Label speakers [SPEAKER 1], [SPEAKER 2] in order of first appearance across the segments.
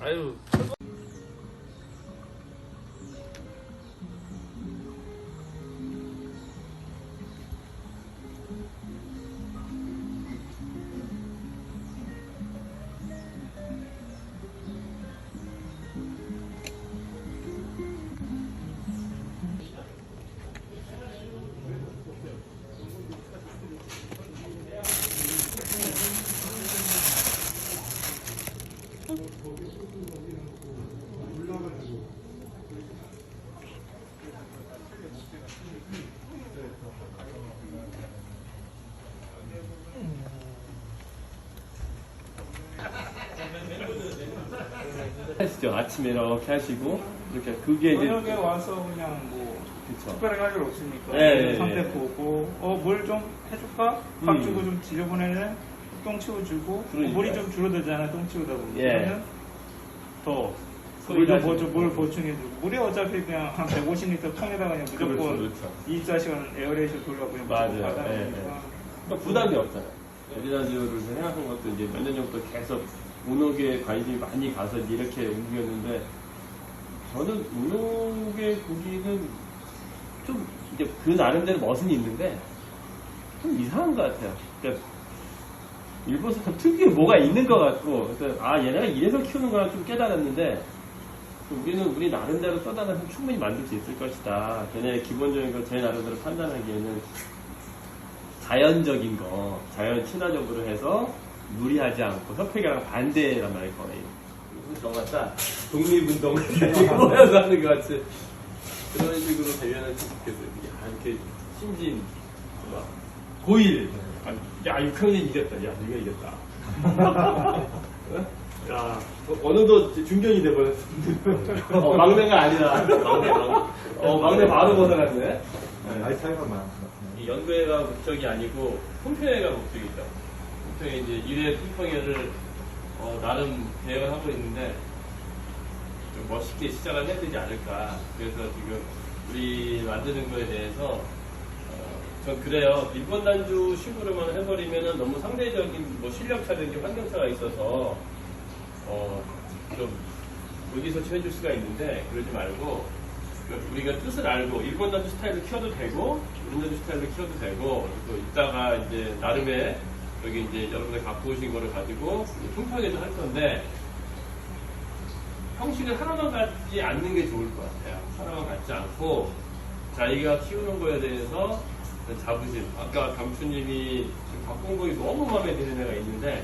[SPEAKER 1] 아유.
[SPEAKER 2] 하시죠. 아침에 이렇게 하시고 이렇게 그게 이제
[SPEAKER 3] 저녁에 와서 그냥 뭐
[SPEAKER 2] 그쵸.
[SPEAKER 3] 특별하게 할 일 없으니까
[SPEAKER 2] 네,
[SPEAKER 3] 상태
[SPEAKER 2] 네.
[SPEAKER 3] 보고 뭘 좀 해줄까? 밥 주고 좀 지저분해네? 똥 치워주고 물이 좀 줄어들잖아 똥 치우다 보면
[SPEAKER 2] 예.
[SPEAKER 3] 그러면 더
[SPEAKER 2] 소일하시고.
[SPEAKER 3] 물 보충해주고 물이 어차피 그냥 한 150리터 통에다가 그냥 무조건
[SPEAKER 2] 그렇죠.
[SPEAKER 3] 24시간 에어레이션 돌려 그냥
[SPEAKER 2] 맞아요.
[SPEAKER 3] 무조건 받아야
[SPEAKER 2] 예,
[SPEAKER 3] 되니까
[SPEAKER 2] 그러니까 부담이 없잖아요. 에비라디오를 생각한 것도 이제 몇 년 전부터 계속 운옥에 관심이 많이 가서 이렇게 움직였는데 저는 운옥의 고기는 좀 이제 그 나름대로 멋은 있는데 좀 이상한 것 같아요. 그러니까 일본에서 특유의 뭐가 있는 것 같고 그래서 얘네가 이래서 키우는 거라 좀 깨달았는데 우리는 우리 나름대로 쏟아내서 충분히 만들 수 있을 것이다. 걔네 기본적인 거 제 나름대로 판단하기에는 자연적인 거, 자연 친화적으로 해서 무리하지 않고 협회랑 반대란 말이에요, 거의. 정말 딱 독립운동을 모여서 하는 것 같이 그런 식으로 대변했으면 좋겠어요. 이렇게 신진, 막 고1, 야 6학년 이겼다, 야 네가 이겼다. 야 어느덧 중견이 돼버렸어. 막내가 아니라 막내 바로 벗어났네.
[SPEAKER 4] 나이 차이가 많아.
[SPEAKER 2] 이 연구회가 목적이 아니고 품평회가 목적이죠. 품평회 이제 1회 품평회를 나름 계획을 하고 있는데 좀 멋있게 시작을 해야 되지 않을까. 그래서 지금 우리 만드는 거에 대해서 전 그래요. 일본 단주 식으로만 해버리면은 너무 상대적인 뭐 실력차든지 환경차가 있어서 좀 여기서 해줄 수가 있는데 그러지 말고. 우리가 뜻을 알고 일본 단주 스타일로 키워도 되고 일본 단주 스타일로 키워도 되고 또 이따가 이제 나름의 여기 이제 여러분들 갖고 오신 거를 가지고 품평회도 할 건데 형식을 하나만 갖지 않는 게 좋을 것 같아요. 하나만 갖지 않고 자기가 키우는 거에 대해서 자부심. 아까 감추님이 지금 갖고 온 거에 너무 마음에 드는 애가 있는데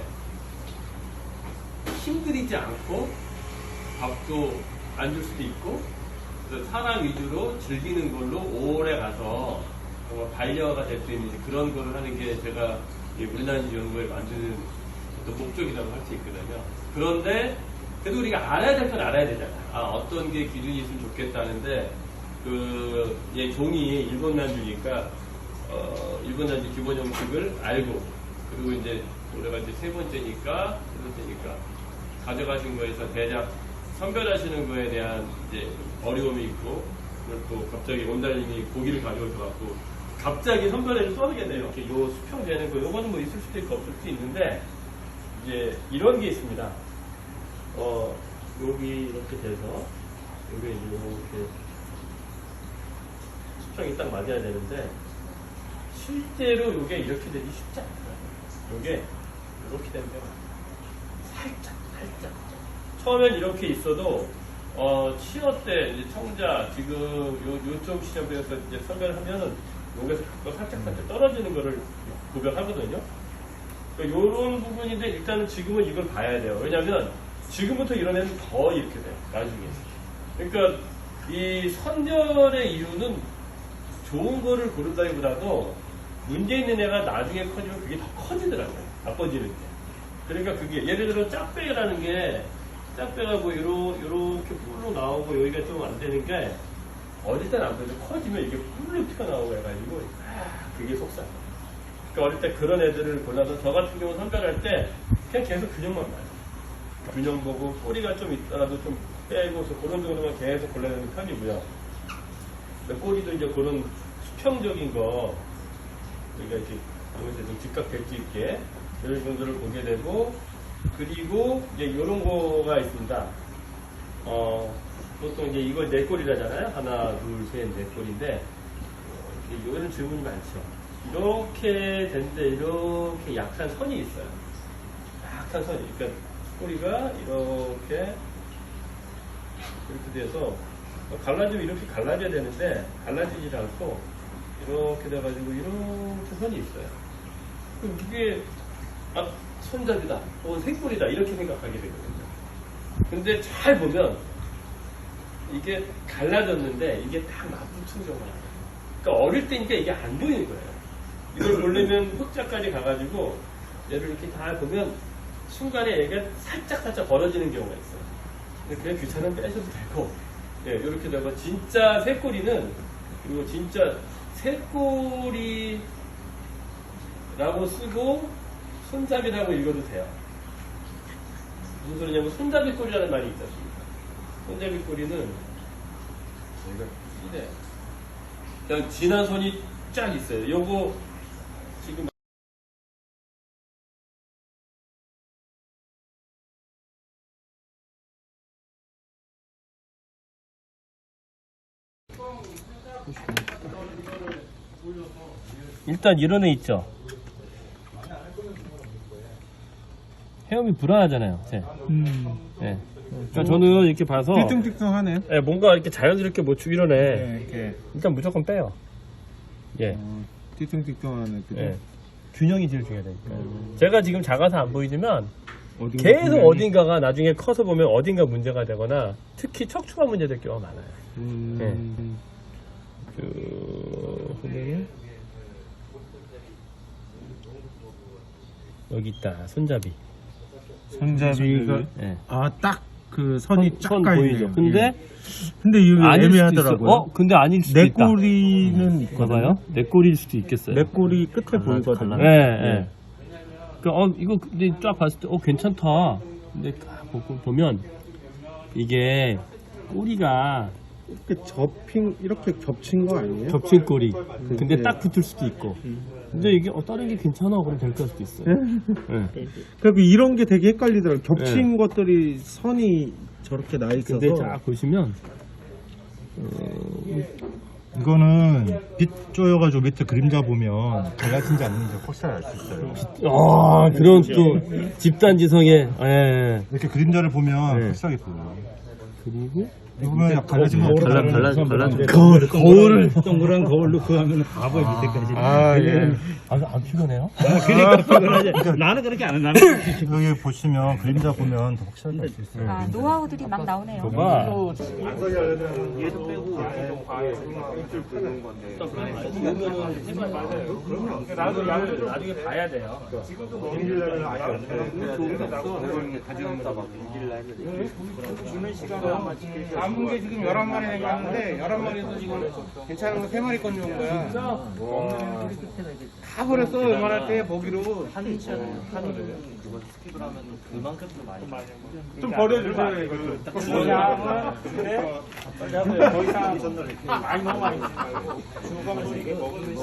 [SPEAKER 2] 힘들이지 않고 밥도 안 줄 수도 있고 사람 위주로 즐기는 걸로 오래 가서 정말 반려가 될 수 있는 그런 거를 하는 게 제가 우리나라지 연구에 만드는 어떤 목적이라고 할 수 있거든요. 그런데 그래도 우리가 알아야 될 건 알아야 되잖아요. 어떤 게 기준이 있으면 좋겠다는데 얘 종이 일본 난주니까 일본 난주 기본 형식을 알고 그리고 이제 올해가 이제 세 번째니까 가져가신 거에서 대략 선별하시는 거에 대한 이제 어려움이 있고, 그리고 또 갑자기 원달님이 고기를 가져오셔갖고, 갑자기 선별해서 써야겠네요. 이렇게 요 수평되는 거, 요거는 뭐 있을 수도 있고 없을 수도 있는데, 이제 이런 게 있습니다. 여기 이렇게 돼서, 여기 이제 이렇게 수평이 딱 맞아야 되는데, 실제로 요게 이렇게 되기 쉽지 않아요. 요게 이렇게 되면 살짝. 처음엔 이렇게 있어도, 치어 때, 이제 청자, 지금 요쪽 시점에서 이제 선별을 하면은, 여기서 살짝 떨어지는 거를 구별하거든요. 그러니까 요런 부분인데, 일단은 지금은 이걸 봐야 돼요. 왜냐면, 지금부터 이런 애는 더 이렇게 돼요. 나중에. 그러니까, 이 선별의 이유는 좋은 거를 고른다기보다도, 문제 있는 애가 나중에 커지면 그게 더 커지더라고요. 나빠지는 게. 그러니까 그게, 예를 들어 짝배라는 게, 짝배가 뭐 요렇게 뿔로 나오고 여기가 좀 안 되는 게 어릴 때는 안 되는데 커지면 이게 뿔로 튀어나오고 해가지고 그게 속상. 그러니까 어릴 때 그런 애들을 골라서 저 같은 경우 선별할 때 그냥 계속 균형만 봐요. 균형 보고 꼬리가 좀 있더라도 좀 빼고 그런 정도만 계속 골라야 되는 편이고요. 꼬리도 이제 그런 수평적인 거 우리가 이렇게 좀 직각 벨트 있게 이런 정도를 보게 되고 그리고 이제 이런 거가 있습니다. 보통 이제 이걸 네 꼬리라잖아요. 하나, 둘, 셋, 네 꼬리인데, 이런 질문이 많죠. 이렇게 된데, 이렇게 약한 선이 있어요. 약한 선이. 그러니까 꼬리가 이렇게 돼서, 갈라지면 이렇게 갈라져야 되는데, 갈라지지 않고, 이렇게 돼가지고, 이렇게 선이 있어요. 그럼 이게, 손잡이다, 혹은 생꼬리다, 이렇게 생각하게 되거든요. 근데 잘 보면, 이게 갈라졌는데, 이게 딱 맞붙은 경우가 나요. 그러니까 어릴 때니까 이게 안 보이는 거예요. 이걸 보려면 흑자까지 가가지고, 얘를 이렇게 다 보면, 순간에 얘가 살짝 벌어지는 경우가 있어요. 근데 그냥 귀찮으면 빼셔도 되고, 예, 이렇게 되고, 진짜 새꼬리는, 그리고 진짜 새꼬리라고 쓰고, 손잡이라고 읽어도 돼요. 무슨 소리냐면, 손잡이 꼬리라는 말이 있지 않습니까? 손잡이 꼬리는, 여기가 이래. 그냥 진한 손이 쫙 있어요. 요거, 지금, 일단 이런 애 있죠? 헤엄이 불안하잖아요. 네. 그러니까 저는 이렇게 봐서
[SPEAKER 1] 띠뚱띠뚱하네.
[SPEAKER 2] 네, 뭔가 이렇게 자연스럽게 못 추고 이러네.
[SPEAKER 1] 네, 이렇게
[SPEAKER 2] 일단 무조건 빼요. 예.
[SPEAKER 1] 띠뚱띠뚱하네. 그죠?
[SPEAKER 2] 예. 균형이 제일 중요하다니까. 제가 지금 작아서 안 보이지만
[SPEAKER 1] 어딘가
[SPEAKER 2] 계속
[SPEAKER 1] 분명히-
[SPEAKER 2] 어딘가가 나중에 커서 보면 어딘가 문제가 되거나 특히 척추가 문제될 경우가 많아요. 보면은 여기 있다. 손잡이.
[SPEAKER 1] 손잡이가
[SPEAKER 2] 예.
[SPEAKER 1] 딱 그 선이 쫙
[SPEAKER 2] 선
[SPEAKER 1] 가있네요.
[SPEAKER 2] 보이죠? 근데
[SPEAKER 1] 근데 이게
[SPEAKER 2] 아닐 수도
[SPEAKER 1] 애매하더라고요.
[SPEAKER 2] 있어. 근데 아닐 수도
[SPEAKER 1] 내
[SPEAKER 2] 있다.
[SPEAKER 1] 꼬리는 있거든요.
[SPEAKER 2] 봐봐요. 내 꼬리일 수도 있겠어요.
[SPEAKER 1] 내 꼬리 끝에 보이거든요.
[SPEAKER 2] 예, 예. 그러니까 이거 근데 쫙 봤을 때 괜찮다. 근데 딱 보면 이게 꼬리가
[SPEAKER 1] 이렇게 겹친 거 아니에요?
[SPEAKER 2] 겹친 꼬리. 근데 딱 붙을 수도 있고. 근데 이게 다른 게 괜찮아 그럼 될 수도 있어요. 예.
[SPEAKER 1] 그리고 이런 게 되게 헷갈리더라고요. 겹친 것들이 선이 저렇게 나 있어서.
[SPEAKER 2] 근데 쫙 보시면
[SPEAKER 4] 이거는 빛 쪼여가지고 밑에 그림자 보면 갈라진지 않는지 확실히 알 수 있어요.
[SPEAKER 2] 그런 또 집단지성에 예.
[SPEAKER 4] 이렇게 그림자를 보면
[SPEAKER 2] 네.
[SPEAKER 4] 확실하게 보여요.
[SPEAKER 2] 그리고
[SPEAKER 4] 이거 보면 갈라지면
[SPEAKER 2] 거울을
[SPEAKER 1] 동그란 거울로 그 하면 바보의 밑에까지.
[SPEAKER 2] 안 피곤해요?
[SPEAKER 3] 나는 그렇게 안 해. 나는
[SPEAKER 4] 여기 보시면 그림자 보면 더 확실하게 알 수 있어요.
[SPEAKER 5] 노하우들이 막 나오네요.
[SPEAKER 2] 봐. 나중에 봐야 돼요.
[SPEAKER 6] 남은 게 지금 11마리 남았는데 11마리에서 지금 괜찮은 거 3마리 건 좋은 거야. 다 버렸어. 웬만할 때 보기로. 좀 버려주세요. 이거.
[SPEAKER 3] 더 이상 많이 너무 많이 주지 말고 죽어가면서 이게 먹는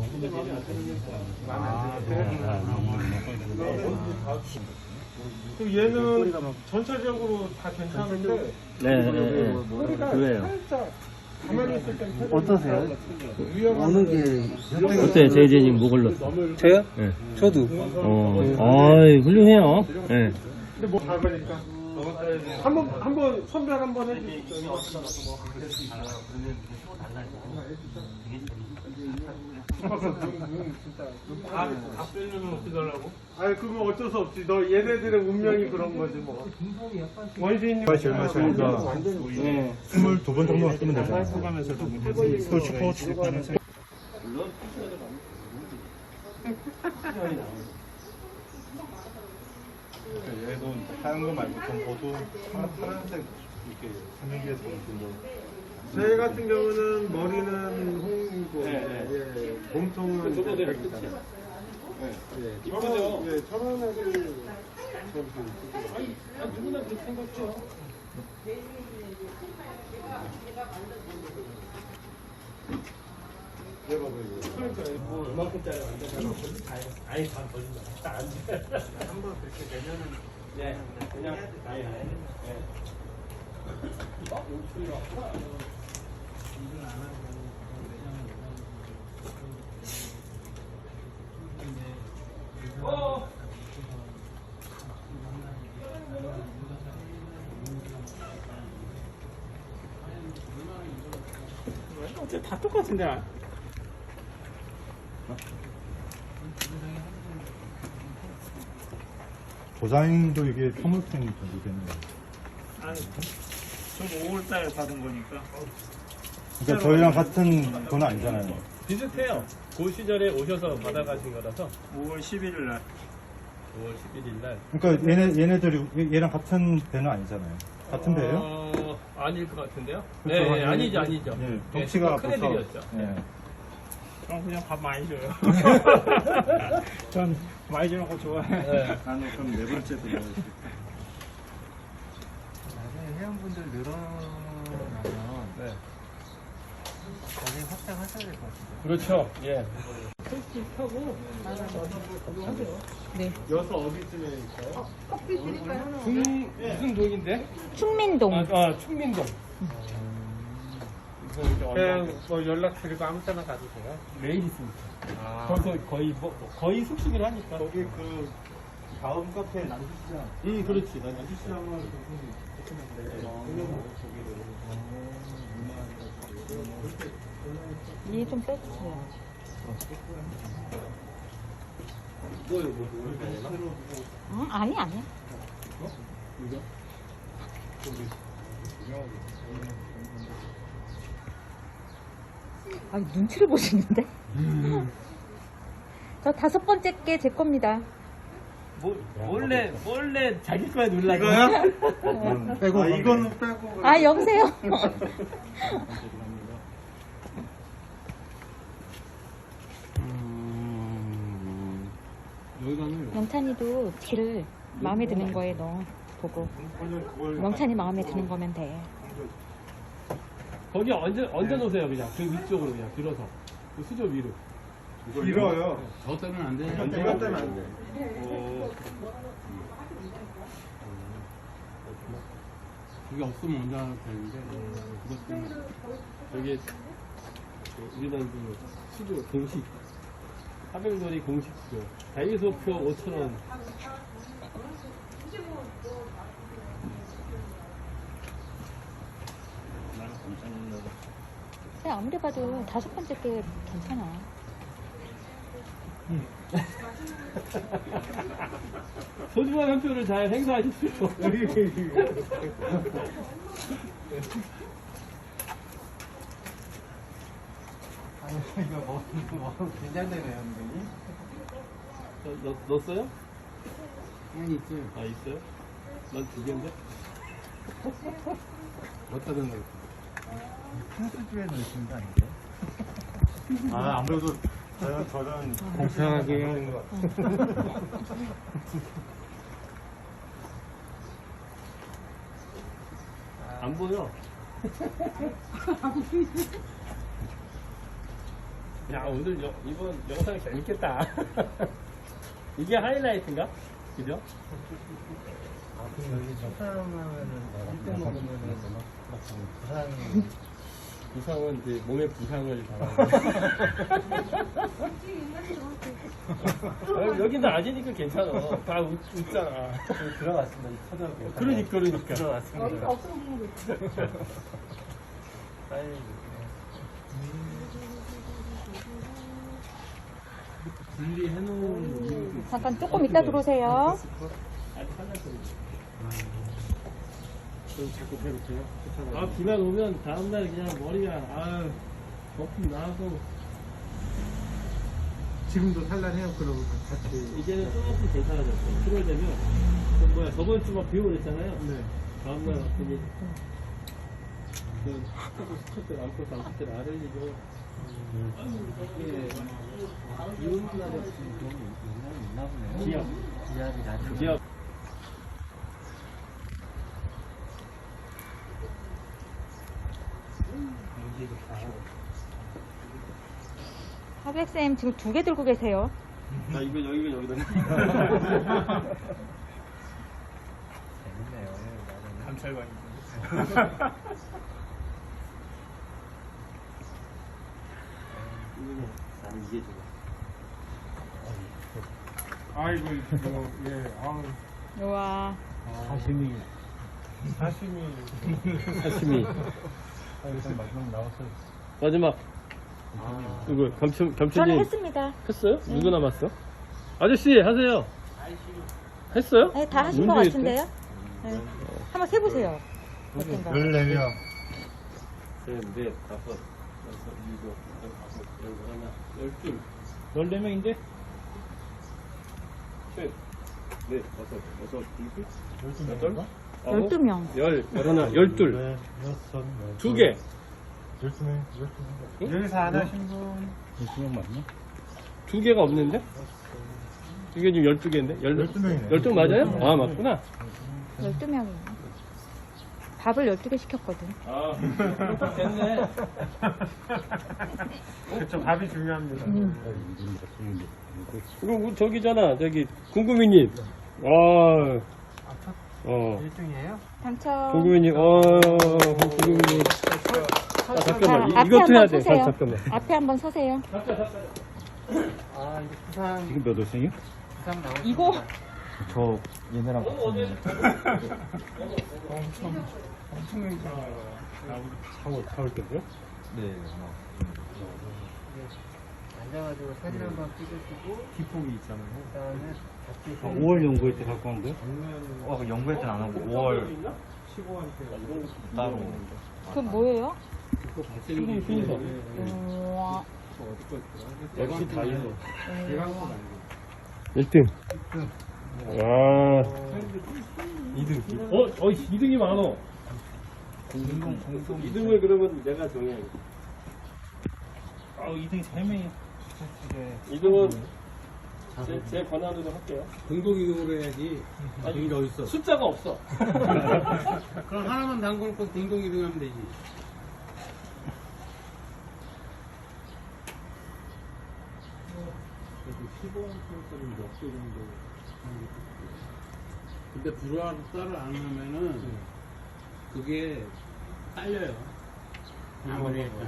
[SPEAKER 6] 또 얘는 전체적으로 다 괜찮은데
[SPEAKER 2] 네. 그래요.
[SPEAKER 6] 가만히 있을 땐
[SPEAKER 7] 어떠세요?
[SPEAKER 6] 위험한
[SPEAKER 2] 어때요, 제이제님 뭐 걸렸어?
[SPEAKER 7] 저요?
[SPEAKER 2] 네.
[SPEAKER 7] 저도.
[SPEAKER 2] 훌륭해요. 네.
[SPEAKER 6] 근데 뭐 가보니까 한번 선별 한번 해주시죠. 다 빼려면 어떻게 하려고? 아니 그건 어쩔 수 없지. 너 얘네들의 운명이 그런 거지 뭐. 원시인님
[SPEAKER 4] 제일 마시니까 22번 정도만 쓰면 되잖아요. 얘도 하얀 거 말고 좀 보도 파란색 이렇게 분위기에서 보면
[SPEAKER 6] 제 같은 경우는 머리는 홍이고 몸통은 백이잖아요. 이쁘죠? 예, 천안하게
[SPEAKER 2] 누구나 그렇게 생각죠. 뭐 이만큼짜리 만들면 아예 반 버린다. 딱 안 돼. 한번 그렇게 되면은 그냥 아예.
[SPEAKER 3] 어째 다 똑같은데.
[SPEAKER 4] 도장도 이게 선물템이 되는 거예요.
[SPEAKER 3] 아니, 저 5월달에 받은 거니까.
[SPEAKER 4] 그러니까 저희랑 같은 건 아니잖아요.
[SPEAKER 2] 비슷해요. 그 시절에 오셔서 받아가신 거라서
[SPEAKER 3] 5월 11일 날.
[SPEAKER 2] 5월 11일 날.
[SPEAKER 4] 그러니까 얘네들이 얘랑 같은 배는 아니잖아요. 같은 배예요?
[SPEAKER 2] 아닐 것 같은데요?
[SPEAKER 4] 그렇죠.
[SPEAKER 2] 네, 아니죠, 아니죠.
[SPEAKER 4] 예,
[SPEAKER 2] 네,
[SPEAKER 4] 덩치가
[SPEAKER 2] 큰 애들이었죠.
[SPEAKER 4] 예.
[SPEAKER 3] 그럼 그냥 밥 많이 줘요. 전 많이 주는 거 좋아해.
[SPEAKER 2] 네.
[SPEAKER 4] 나는 그럼 네 번째도 먹어야지.
[SPEAKER 1] 나중에 회원분들 늘어나면
[SPEAKER 2] 네.
[SPEAKER 1] 나중에 확장하셔야 될 것 같은데.
[SPEAKER 2] 그렇죠. 예.
[SPEAKER 6] 여수 어디쯤에 있어요?
[SPEAKER 5] 커피 드릴까요?
[SPEAKER 6] 무슨 동인데?
[SPEAKER 5] 충민동.
[SPEAKER 2] 충민동.
[SPEAKER 6] 그냥 뭐 연락 드리고 아무 때나 가도 돼요?
[SPEAKER 2] 매일 있습니다. 거기서 거의 숙식을 하니까.
[SPEAKER 4] 거기 그 다음 카페 남주시장.
[SPEAKER 2] 그렇지.
[SPEAKER 4] 남주시장은
[SPEAKER 5] 이 좀 빼주세요. 아니, 아니. 아, 눈치를 보시는데? 저 5번째 게 제 겁니다.
[SPEAKER 2] 원래 자기 거에 눌러서.
[SPEAKER 4] 빼고 이거는 빼고.
[SPEAKER 5] 아, 여보세요? 영찬이도 길을 마음에 드는 거에 넣어 보고. 영찬이 마음에 드는 거면 돼.
[SPEAKER 2] 거기 얹어 놓으세요, 그냥. 그 위쪽으로 그냥 들어서. 그 수저 위로.
[SPEAKER 4] 길어요.
[SPEAKER 7] 저 때문에 안 돼.
[SPEAKER 4] 내가 때문에 안 돼.
[SPEAKER 7] 그게 없으면 언제 하나 되는데, 그것 때문에.
[SPEAKER 2] 여기 우리나라 그 수저 공식. 하백놀이 공식 수저. 다이소표 5,000원.
[SPEAKER 5] 그냥 아무리 봐도 5번째 게 괜찮아.
[SPEAKER 2] 소중한 한 표를 잘 행사하십시오.
[SPEAKER 1] 이거 뭐 긴장되네요, 선생님.
[SPEAKER 2] 넣었어요?
[SPEAKER 7] 아니, 있어요.
[SPEAKER 2] 아, 있어요? 난 2개인데?
[SPEAKER 7] 어디다 든 거.
[SPEAKER 1] 펜스주에 넣으신 거 아니에요?
[SPEAKER 4] 아 아무래도 저는
[SPEAKER 6] 공평하게 하는 것 같아요.
[SPEAKER 2] 안 보여. 야, 오늘 이번 영상 재밌겠다. 이게 하이라이트인가? 그죠?
[SPEAKER 1] 여기 첫사랑하면은 1등 먹으면은
[SPEAKER 2] 부상은 이제 몸에 부상을 당하는. 여기는 낮이니까 괜찮아. 다 웃잖아.
[SPEAKER 1] 들어갔습니다. 초등학교.
[SPEAKER 2] 그러니까.
[SPEAKER 1] 들어갔습니다.
[SPEAKER 2] 분리해놓은 이유도
[SPEAKER 5] 잠깐 조금 이따 들어오세요.
[SPEAKER 2] 아직 아, 비만 오면 다음날 그냥 머리가, 거품 나고.
[SPEAKER 6] 지금도 산란해요, 그러고 같이.
[SPEAKER 2] 이제는 조금 괜찮아졌어요. 7월 되면. 저번 주 막 비 오고 그랬잖아요.
[SPEAKER 6] 네.
[SPEAKER 2] 다음날 왔더니, 스쿼트, 람코스, 알을리죠. 이게, 이온 날에
[SPEAKER 1] 그런 게 있나 보네요.
[SPEAKER 2] 기압.
[SPEAKER 1] 기압이 낮은.
[SPEAKER 2] 기압.
[SPEAKER 5] 하백쌤 지금 2개 들고 계세요.
[SPEAKER 2] 나 이거 여기다.
[SPEAKER 1] 재밌네요.
[SPEAKER 3] 감찰관이.
[SPEAKER 2] 나는 이게 좋아.
[SPEAKER 6] 아이고, 이거, 예, 아우.
[SPEAKER 5] 우와.
[SPEAKER 7] 사심이.
[SPEAKER 6] 사심이.
[SPEAKER 2] 사시미.
[SPEAKER 4] 일단 마지막 나왔어요.
[SPEAKER 2] 마지막. 이거
[SPEAKER 5] 저는
[SPEAKER 2] 겸천님
[SPEAKER 5] 했습니다.
[SPEAKER 2] 했어요? 누구 남았어? 아저씨 하세요. 했어요?
[SPEAKER 5] 네, 다 하신 것
[SPEAKER 2] 문제
[SPEAKER 5] 같은데요? 네. 한번 세보세요. 어떤가?
[SPEAKER 4] 14명.
[SPEAKER 2] 셋, 넷, 다섯, 여섯, 일곱, 여덟, 하나, 14명인데? 셋, 넷, 다섯, 여섯, 일곱, 여덟, 아홉,
[SPEAKER 5] 12명.
[SPEAKER 2] 열하나, 열둘.
[SPEAKER 4] 네, 여섯,
[SPEAKER 2] 두 개.
[SPEAKER 4] 12명.
[SPEAKER 6] 여기서 안 하신 분.
[SPEAKER 4] 12명 맞나?
[SPEAKER 2] 두 개가 없는데? 이게 지금 12개인데?
[SPEAKER 4] 12명이네.
[SPEAKER 2] 12명 맞아요? 아, 맞구나.
[SPEAKER 5] 12명이에요. 밥을 12개 시켰거든.
[SPEAKER 2] 아, 됐네.
[SPEAKER 6] 그쵸, 밥이 중요합니다.
[SPEAKER 2] 그리고 저기잖아, 저기, 궁금이님. 어,
[SPEAKER 6] 1등이에요?
[SPEAKER 5] 당첨.
[SPEAKER 2] 궁금이님, 궁금이님. 아, 잠깐만,
[SPEAKER 5] 자, 앞에
[SPEAKER 2] 이것도 해야
[SPEAKER 5] 한번
[SPEAKER 2] 돼.
[SPEAKER 5] 서세요.
[SPEAKER 2] 잠깐만.
[SPEAKER 5] 앞에 한번 서세요.
[SPEAKER 6] 아, 이거 부상,
[SPEAKER 4] 지금 몇 월생이요?
[SPEAKER 6] 부상 나오고.
[SPEAKER 5] 이거
[SPEAKER 4] 저 얘네랑
[SPEAKER 2] 사올 때고요?
[SPEAKER 4] 네.
[SPEAKER 6] 앉아가지고 사진 한번 찍으시고.
[SPEAKER 1] 기폭이 있잖아요.
[SPEAKER 6] 그다음에 같이
[SPEAKER 7] 5월 연구회 때 갖고 온 거예요?
[SPEAKER 4] 그 연구할 때는 안 하고 5월
[SPEAKER 6] 15한테
[SPEAKER 4] 따로.
[SPEAKER 5] 그건 뭐예요?
[SPEAKER 2] 수분 순서.
[SPEAKER 5] 우와.
[SPEAKER 2] 역시 다이소.
[SPEAKER 5] 우와.
[SPEAKER 2] 1등. 와. 2등. 2등이 많어. 2등을 그러면 내가 정해야겠다.
[SPEAKER 3] 2등 3명이
[SPEAKER 2] 2등은 제 권한으로 할게요.
[SPEAKER 7] 공동이동으로 해야지. 그런 게 어딨어.
[SPEAKER 2] 숫자가 없어.
[SPEAKER 7] 그럼 하나만 담궈놓고 공동이동하면 되지. 그래도 15원짜리 몇개 정도 하는 게 좋겠고. 근데 불화를 안 하면은 그게 딸려요. 아무리 했다.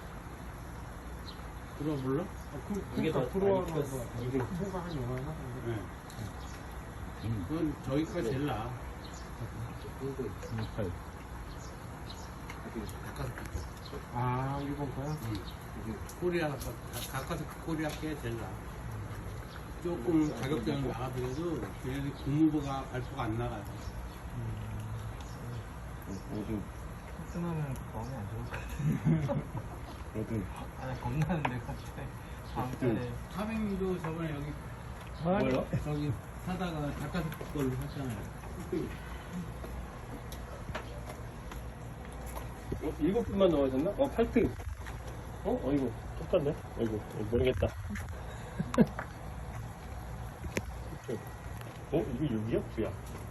[SPEAKER 7] 불화 몰라?
[SPEAKER 2] 그게 더
[SPEAKER 6] 프로하고
[SPEAKER 2] 많이
[SPEAKER 6] 이게 후보가 한 얼마나?
[SPEAKER 7] 네. 그건 저희가 제일 나아.
[SPEAKER 6] 아, 일본 거야?
[SPEAKER 7] 코리아, 가까스 코리아 게 제일 나아. 조금 가격대는 나가더라도 얘네들 국무부가 발표가 안 나가요.
[SPEAKER 6] 쓰면은 마음이 안 좋을 것 같아. 아니, 겁나는데, 갑자기. 다음 달에.
[SPEAKER 7] 400미도 저번에 여기
[SPEAKER 2] 뭐요?
[SPEAKER 7] 저기 사다가 가까스 걸로 샀잖아요.
[SPEAKER 2] 7분만 넣어졌나? 8등. 이거 똑같네. 이거 모르겠다. 이거 6이야? 9야?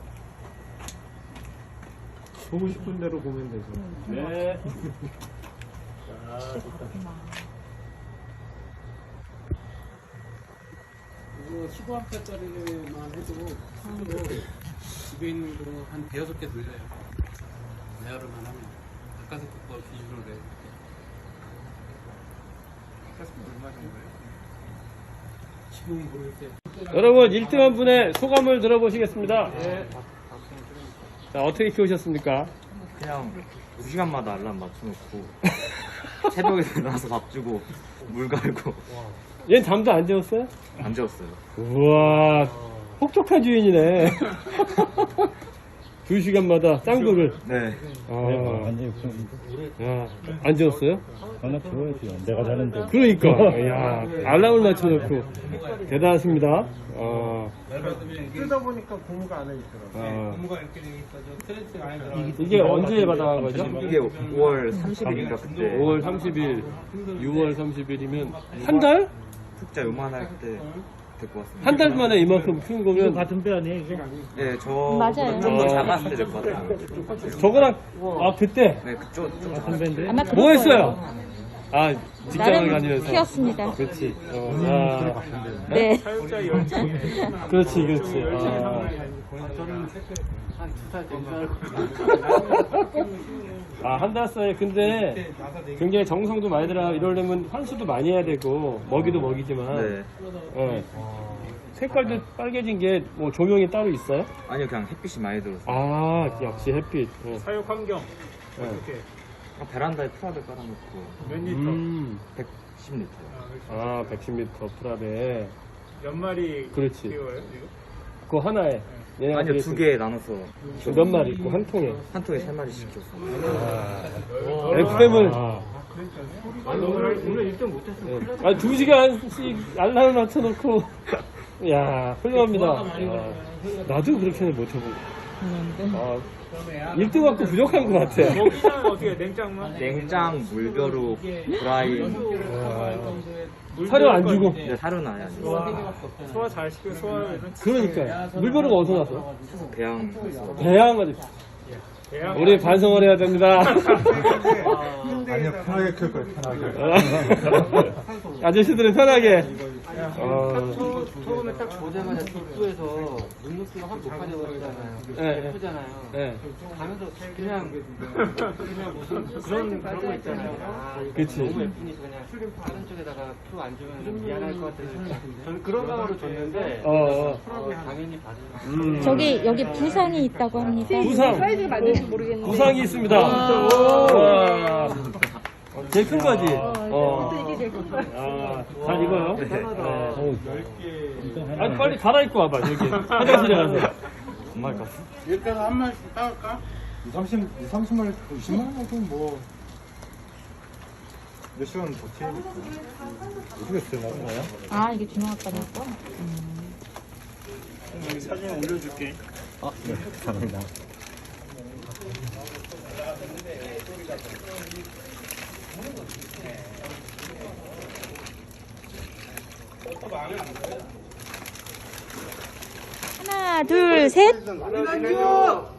[SPEAKER 1] 보고 싶은 대로 보면 되죠.
[SPEAKER 2] 네. 자,
[SPEAKER 7] 이거 15암페어짜리만 해도 손으로 집에 있는 거 한 대여섯 개 돌려요. 레아르만 하면 가까스 거 기준으로 돼. 지금 모르겠어요.
[SPEAKER 2] 여러분 1등한 분의 소감을 들어보시겠습니다. 자, 어떻게 키우셨습니까?
[SPEAKER 8] 그냥 2시간마다 알람 맞춰놓고 새벽에 일어나서 밥 주고 물 갈고
[SPEAKER 2] 얘는 잠도 안 재웠어요?
[SPEAKER 8] 안 재웠어요.
[SPEAKER 2] 우와, 혹독한 주인이네. 2시간마다 짱구를.
[SPEAKER 8] 네.
[SPEAKER 4] 완전히
[SPEAKER 2] 안 재웠어요?
[SPEAKER 4] 하나 줘야지. 내가 자는데.
[SPEAKER 2] 그러니까. 야, 알람을 맞춰놓고. 대단하십니다.
[SPEAKER 1] 뜯어보니까 고무가 안에 있더라고요.
[SPEAKER 3] 공부가 이렇게 돼 있어서 스트레스 많이 들어.
[SPEAKER 2] 이게 언제 받아간 거죠?
[SPEAKER 8] 이게 5월 30일인가 그때
[SPEAKER 2] 5월 30일, 6월 30일이면 한 달?
[SPEAKER 8] 흑자 요만할 때 데리고 왔습니다.
[SPEAKER 2] 한 달 만에 이만큼 키운 거면
[SPEAKER 1] 같은 뼈 아니에요, 이거?
[SPEAKER 8] 네,
[SPEAKER 5] 맞아요.
[SPEAKER 8] 좀 더 작았을 때 데리고 왔어요.
[SPEAKER 2] 저거랑 그때
[SPEAKER 8] 네, 그쪽
[SPEAKER 5] 아마 그럴
[SPEAKER 2] 뭐 했어요?
[SPEAKER 5] 거예요.
[SPEAKER 2] 직장을
[SPEAKER 5] 나름
[SPEAKER 2] 다니면서.
[SPEAKER 5] 키웠습니다.
[SPEAKER 2] 그렇지.
[SPEAKER 5] 네.
[SPEAKER 2] 그렇지.
[SPEAKER 3] 저는 한 2살 된줄 알고.
[SPEAKER 2] 아, 한 달 사이에. 근데 굉장히 정성도 많이 들어. 이러려면 환수도 많이 해야 되고, 먹이도 먹이지만.
[SPEAKER 8] 네.
[SPEAKER 2] 예. 색깔도 빨개진 게 뭐 조명이 따로 있어요?
[SPEAKER 8] 아니요, 그냥 햇빛이 많이 들어서.
[SPEAKER 2] 아, 역시 햇빛. 예.
[SPEAKER 3] 사육 환경
[SPEAKER 2] 예.
[SPEAKER 3] 이렇게
[SPEAKER 8] 베란다에 프라드 깔아놓고
[SPEAKER 3] 몇 리터?
[SPEAKER 8] 110리터.
[SPEAKER 2] 아, 110m 프랍에.
[SPEAKER 3] 몇 마리
[SPEAKER 2] 그렇지.
[SPEAKER 3] 키워요 지금?
[SPEAKER 2] 그거 하나에. 얘네가
[SPEAKER 8] 아니요,
[SPEAKER 2] 그래서
[SPEAKER 8] 2개 나눠서
[SPEAKER 2] 몇 마리 있고, 한 통에.
[SPEAKER 8] 한 통에 3마리씩 줬어요.
[SPEAKER 2] FM을.
[SPEAKER 7] 오늘 일정 못했어.
[SPEAKER 2] 아, 2시간씩 알람을 맞춰놓고. 야, 훌륭합니다. 아, 나도 그렇게는 못해보고. 아, 1등 갖고 부족한 것 같아.
[SPEAKER 3] 먹이는 어떻게 해? 냉장만?
[SPEAKER 8] 냉장, 물벼룩, 브라인.
[SPEAKER 2] 사료 안 주고.
[SPEAKER 8] 근데 사료는 아예 안 줬어요.
[SPEAKER 3] 소화 잘 시켜 소화는
[SPEAKER 2] 그러니까. 물벼룩 어디서 났어?
[SPEAKER 8] 배양.
[SPEAKER 2] 배양아지. 우리 반성을 해야 됩니다.
[SPEAKER 4] 아니요, 편하게 클 거예요, 편하게.
[SPEAKER 2] 아저씨들은 편하게.
[SPEAKER 7] 처음에 딱 보자마자 독도에서 눈높이가 확 높아져버리잖아요.
[SPEAKER 2] 예,
[SPEAKER 7] 예쁘잖아요.
[SPEAKER 2] 예.
[SPEAKER 7] 가면서 그냥 무슨 그런 거 있잖아요. 아,
[SPEAKER 2] 그치.
[SPEAKER 7] 너무 예쁘니까 그냥 다른 쪽에다가 표 안 주면 미안할 것 같아서 저는 그런 마음으로 줬는데 당연히 받으면
[SPEAKER 5] 저기 여기 부상이 있다고 합니다.
[SPEAKER 2] 부상.
[SPEAKER 9] 사이즈가 맞는지 모르겠는데.
[SPEAKER 2] 부상이 있습니다. 와. 제일 큰 거지?
[SPEAKER 9] 이게 제일 큰 거야.
[SPEAKER 2] 아, 잘 익어요? 아니, 빨리 갈아입고 와봐, 여기. 화장실에 가서.
[SPEAKER 8] 정말 깠어?
[SPEAKER 6] 일단 한 마리씩 따갈까?
[SPEAKER 4] 30마리, 20마리 정도 뭐. 몇 시간 버티니까. 모르겠어요, 나는.
[SPEAKER 5] 아, 이게 준호 아빠니까?
[SPEAKER 3] 여기 사진 올려줄게.
[SPEAKER 4] 네, 감사합니다.
[SPEAKER 5] 하나, 둘, 셋.
[SPEAKER 6] 아니요.